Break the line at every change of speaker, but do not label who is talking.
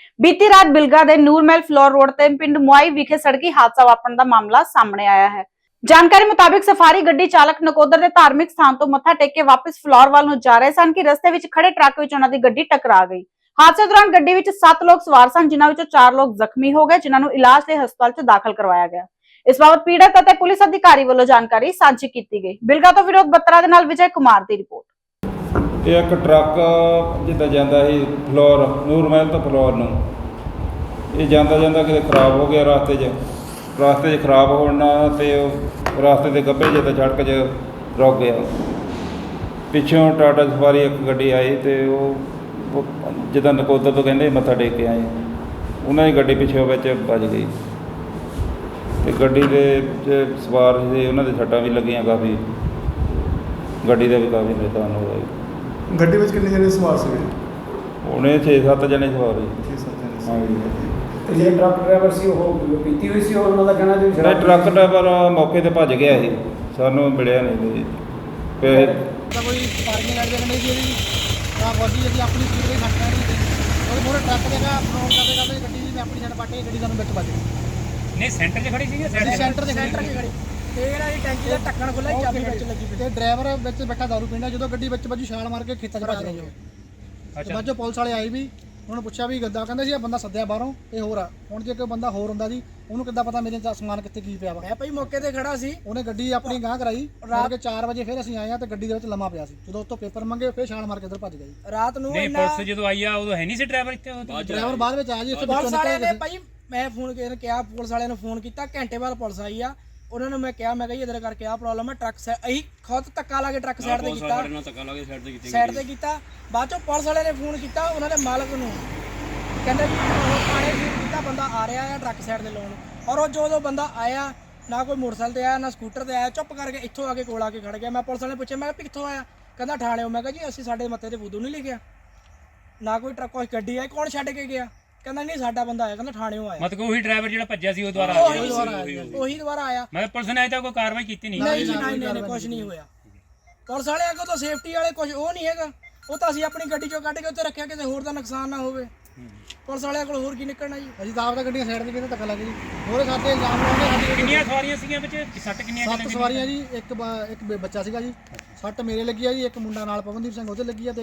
बीती रात बिलगा दे नूरमहल फ्लोर रोड ते पिंड मुआई विखे सड़की हादसा वापरन दा मामला सामने आया है। जानकारी मुताबिक सफारी गड्डी चालक नकोदर दे धार्मिक स्थान तो मत्था टेक के वापस फ्लोर वाल नूं जा रहे सन कि रस्ते विच खड़े ट्रक विच उन्हां दी गड्डी टकरा गई। हादसे दौरान गड्डी विच 7 लोग सवार सन, जिन्हां विचों 4 लोग जख्मी हो गए, जिन्हां नूं इलाज लई हस्पताल च दाखल करवाया गया। इस बाबत पीड़ित अते पुलिस अधिकारी वालों जानकारी साझी की गई। बिलगा तो विनोद बत्रा दे नाल विजय कुमार दी रिपोर्ट।
एक ट्रक जिद्दां जांदा सी फ्लोर नूरमहल तो फ्लोर नूं ये जांदा जांदा किते खराब हो गया रास्ते 'ਚ खराब होना ते रास्ते के गब्बे जिद्दां सड़क 'ਚ रुक गया। पिछों टाटा सफारी एक गड्डी आई तो जिद्दां नकोदर तो कहंदे मत्था टेक के आए, उन्हां दी गड्डी पिछों विच वज गई ते गड्डी दे सवार सी उन्हां दे सट्टां भी लगियां काफ़ी, गड्डी का भी काफ़ी नुकसान हो गया।
ਗੱਡੀ ਵਿੱਚ ਕਿੰਨੇ ਜਣੇ ਸਵਾਰ ਸੀਗੇ?
ਉਹਨੇ 6-7 ਜਣੇ ਸਵਾਰ ਸੀ।
6-7 ਜਣੇ ਸੀ।
ਹਾਂਜੀ।
ਤੇ ਜਿਹੜੇ ਟਰੱਕ ਡਰਾਈਵਰ ਸੀ ਉਹ ਪੀਤੀ ਹੋਈ ਸੀ, ਉਹਨਾਂ ਦਾ ਕਹਿਣਾ ਜੀ
ਨਹੀਂ, ਟਰੱਕ ਡਰਾਈਵਰ ਮੌਕੇ ਤੇ ਭੱਜ ਗਿਆ ਸੀ, ਸਾਨੂੰ ਮਿਲਿਆ ਨਹੀਂ ਜੀ।
ਕੋਈ ਪਾਰਕਿੰਗ ਲੱਗ ਜਾਂਦੀ ਸੀ ਇਹਦੀ ਤਾਂ ਵਾਜੀ ਜੀ ਆਪਣੀ ਸਪੀਡ ਦੇ ਘੱਟ ਨਹੀਂ ਉਹ ਮੋਰੇ ਟਰੱਕ ਦੇਗਾ ਫਰੋਨ ਕਰਦੇ ਗੱਡੀ ਨੇ ਆਪਣੀ ਸਾਈਡ ਪਾਟੇ ਗੱਡੀ ਸਾਨੂੰ ਵਿੱਚ ਵੱਜ ਗਈ।
ਨਹੀਂ ਸੈਂਟਰ 'ਚ ਖੜੀ ਸੀ ਜਾਂ
ਸੈਂਟਰ 'ਚ ਖੜੀ ਤੇ ਜਿਹੜਾ ਇਹ ਟੈਂਕੀ ਦਾ ਢੱਕਣ ਖੁੱਲਾ ਚਾਬੀ ਵਿੱਚ ਲੱਗੀ ਪਈ ਤੇ ਡਰਾਈਵਰ ਵਿੱਚ ਬੈਠਾ ਦਾਰੂ ਪੀਂਦਾ, ਜਦੋਂ ਗੱਡੀ ਵਿੱਚ ਵੱਜੀ ਛਾਲ ਮਾਰ ਕੇ ਖੇਤਾਂ 'ਚ ਭੱਜ ਗਈ। ਅੱਛਾ, ਬਾਅਦ 'ਚੋਂ ਪੁਲਿਸ ਵਾਲੇ ਆਏ ਵੀ, ਉਹਨਾਂ ਨੂੰ ਪੁੱਛਿਆ ਵੀ ਗੱਦਾ, ਕਹਿੰਦੇ ਸੀ ਇਹ ਬੰਦਾ ਸੱਦਿਆ ਬਾਹਰੋਂ, ਇਹ ਹੋਰ ਆ। ਹੁਣ ਜੇ ਕੋਈ ਬੰਦਾ ਹੋਰ ਹੁੰਦਾ ਜੀ ਉਹਨੂੰ ਕਿੱਦਾਂ ਪਤਾ ਮੇਰੇ ਸਮਾਨ ਕਿੱਥੇ ਕੀ ਪਿਆ ਵਾ। ਮੈਂ ਭਾਈ ਮੌਕੇ ਤੇ ਖੜਾ ਸੀ, ਉਹਨੇ ਗੱਡੀ ਆਪਣੀ ਗਾਂਹ ਕਰਾਈ। ਰਾਤ ਕੇ 4 ਵਜੇ ਫਿਰ ਅਸੀਂ ਆਏ ਆ ਤੇ ਗੱਡੀ ਦੇ ਵਿੱਚ ਲੰਮਾ ਪਿਆ ਸੀ। ਜਦੋਂ ਉੱਤੋਂ ਪੇਪਰ ਮੰਗੇ ਫਿਰ ਛਾਲ ਮਾਰ ਕੇ ਇੱਧਰ ਭੱਜ ਗਈ। ਰਾਤ ਨੂੰ
ਨਹੀਂ ਪੁਲਿਸ ਜਦੋਂ ਆਈ ਆ ਉਦੋਂ ਹੈ ਨਹੀਂ ਸੀ ਡਰਾਈਵਰ ਇੱਥੇ?
ਡਰਾਈਵਰ ਬਾਅਦ ਵਿੱਚ ਆਇਆ ਜੀ। ਉੱਥੇ ਪੁਲਿਸ ਵਾਲਿਆਂ ਨੇ ਭਾਈ ਮੈਂ ਫੋਨ ਕਿਹਾ, ਪੁਲਿਸ ਵਾਲਿਆਂ ਨੂੰ ਫੋਨ ਕੀਤਾ, ਘੰਟੇ ਬਾਅਦ ਪੁਲਿਸ ਆਈ ਆ। ਉਹਨਾਂ ਨੂੰ ਮੈਂ ਕਿਹਾ, ਮੈਂ ਕਿਹਾ ਜੀ ਇਧਰ ਕਰਕੇ ਆਹ ਪ੍ਰੋਬਲਮ ਹੈ, ਟਰੱਕ ਅਸੀਂ ਖੁਦ ਧੱਕਾ ਲਾ ਕੇ ਟਰੱਕ ਸਾਈਡ ਤੇ ਕੀਤਾ, ਸਾਈਡ ਤੇ ਕੀਤਾ। ਬਾਅਦ ਚੋਂ ਪੁਲਿਸ ਵਾਲਿਆਂ ਨੇ ਫੋਨ ਕੀਤਾ ਉਹਨਾਂ ਦੇ ਮਾਲਕ ਨੂੰ, ਕਹਿੰਦੇ ਵੀ ਉਹ ਥਾਣੇ ਫੋਨ ਕੀਤਾ, ਬੰਦਾ ਆ ਰਿਹਾ ਆ ਟਰੱਕ ਸਾਈਡ ਤੇ ਲਾਉਣ। ਔਰ ਉਹ ਜਦੋਂ ਬੰਦਾ ਆਇਆ, ਨਾ ਕੋਈ ਮੋਟਰਸਾਈਕਲ ਤੇ ਆਇਆ ਨਾ ਸਕੂਟਰ ਤੇ ਆਇਆ, ਚੁੱਪ ਕਰਕੇ ਇੱਥੋਂ ਆ ਕੇ ਕੋਲ ਆ ਕੇ ਖੜ ਗਿਆ। ਮੈਂ ਪੁਲਿਸ ਵਾਲੇ ਪੁੱਛਿਆ, ਮੈਂ ਕਿਹਾ ਕਿੱਥੋਂ ਆਇਆ? ਕਹਿੰਦਾ ਥਾਣਿਓਂ। ਮੈਂ ਕਿਹਾ ਜੀ ਅਸੀਂ ਸਾਡੇ ਮੱਥੇ ਤੇ ਫੂਦੂ ਨਹੀਂ ਲਿਖਿਆ, ਨਾ ਕੋਈ ਟਰੱਕ ਕੋਈ ਗੱਡੀ ਆਈ, ਕੌਣ ਛੱਡ ਕੇ ਗਿਆ? ਕਹਿੰਦਾ ਨਹੀਂ ਸਾਡਾ ਬੰਦਾ ਆਇਆ, ਕਹਿੰਦਾ ਥਾਣਿਓਂ ਆਇਆ।
ਮਤਲਬ ਉਹੀ ਡਰਾਈਵਰ ਜਿਹੜਾ ਭੱਜਿਆ ਸੀ ਉਹ ਦੁਬਾਰਾ
ਉਹੀ ਦੁਬਾਰਾ ਆਇਆ।
ਮਤਲਬ ਪੁਲਿਸ ਨੇ ਅਜੇ ਤੱਕ ਕੋਈ ਕਾਰਵਾਈ ਕੀਤੀ ਨਹੀਂ?
ਨਹੀਂ ਜੀ, ਨਹੀਂ ਕੁਝ ਨਹੀਂ ਹੋਇਆ। ਪੁਲਿਸ ਵਾਲੇ ਅੱਗੋਂ ਤਾਂ ਸੇਫਟੀ ਵਾਲੇ ਕੁਝ ਉਹ ਨਹੀਂ ਹੈਗਾ, ਉਹ ਤਾਂ ਅਸੀਂ ਆਪਣੀ ਗੱਡੀ ਚੋਂ ਕੱਢ ਕੇ ਉੱਤੇ ਰੱਖਿਆ ਕਿਸੇ ਹੋਰ ਦਾ ਨੁਕਸਾਨ ਨਾ ਹੋਵੇ। ਪੁਲਿਸ ਵਾਲਿਆਂ ਕੋਲ ਹੋਰ ਕੀ ਨਿਕਲਣਾ ਜੀ। ਅਸੀਂ ਤਾਂ ਆਪ ਤਾਂ ਗੱਡੀਆਂ ਸਾਈਡ ਤੇ ਕਿਤੇ ਧੱਕਾ ਲੱਗ ਜੀ। ਹੋਰੇ ਸਾਡੇ ਇਲਜ਼ਾਮ ਲਾਉਂਦੇ ਸਾਡੀ
ਕਿੰਨੀਆਂ ਸਵਾਰੀਆਂ ਸੀਗੀਆਂ ਵਿੱਚ? 7 ਕਿੰਨੀਆਂ?
7 ਸਵਾਰੀਆਂ ਜੀ। ਇੱਕ ਬੱਚਾ ਸੀਗਾ ਜੀ, 6 ਮੇਰੇ ਲੱਗੀ ਆ ਜੀ, ਇੱਕ ਮੁੰਡਾ ਨਾਲ ਪਵਨਦੀਪ ਸਿੰਘ ਉਹਦੇ ਲੱਗੀ ਆ ਤੇ